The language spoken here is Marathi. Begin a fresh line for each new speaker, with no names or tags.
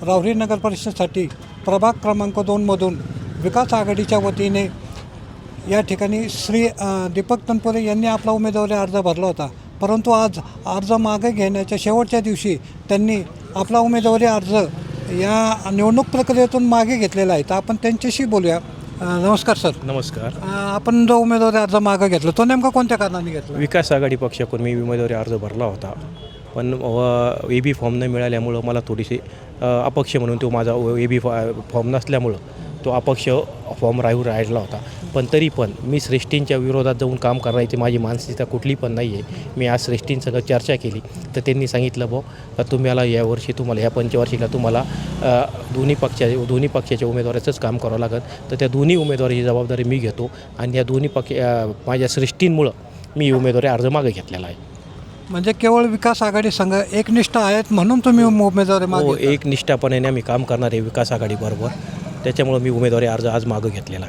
राहुरी नगर परिषदेसाठी प्रभाग क्रमांक 2मधून विकास आघाडीच्या वतीने या ठिकाणी श्री दीपक तनपुरे यांनी आपला उमेदवारी अर्ज भरला होता. परंतु आज अर्ज मागे घेण्याच्या शेवटच्या दिवशी त्यांनी आपला उमेदवारी अर्ज या निवडणूक प्रक्रियेतून मागे घेतलेला आहे. तर आपण त्यांच्याशी बोलूया. नमस्कार सर.
नमस्कार.
आपण जो उमेदवारी अर्ज मागे घेतला तो नेमका कोणत्या कारणाने घेतला?
विकास आघाडी पक्षाकडून मी उमेदवारी अर्ज भरला होता, पण AB फॉर्म न मिळाल्यामुळं मला थोडीशी अपक्ष म्हणून तो माझा AB फॉर्म नसल्यामुळं तो अपक्ष फॉर्म राहिला होता. पण तरी पण मी श्रेष्ठींच्या विरोधात जाऊन काम करण्याची माझी मानसिकता कुठली पण नाही आहे. मी आज श्रेष्ठींसंग चर्चा केली तर त्यांनी सांगितलं का तुम्हाला यावर्षी तुम्हाला या पंचवार्षिकला तुम्हाला दोन्ही पक्षाच्या उमेदवाराचंच काम करावं लागेल. तर त्या दोन्ही उमेदवाराची जबाबदारी मी घेतो आणि या दोन्ही माझ्या श्रेष्ठींमुळं मी उमेदवारी अर्ज मागे घेतलेला आहे.
म्हणजे केवळ विकास आघाडी संघ एकनिष्ठ आहेत म्हणून तुम्ही उमेदवारी मागे?
एकनिष्ठापणे आम्ही काम करणार आहे विकास आघाडीबरोबर, त्याच्यामुळं मी उमेदवारी अर्ज आज मागे घेतलेला आहे.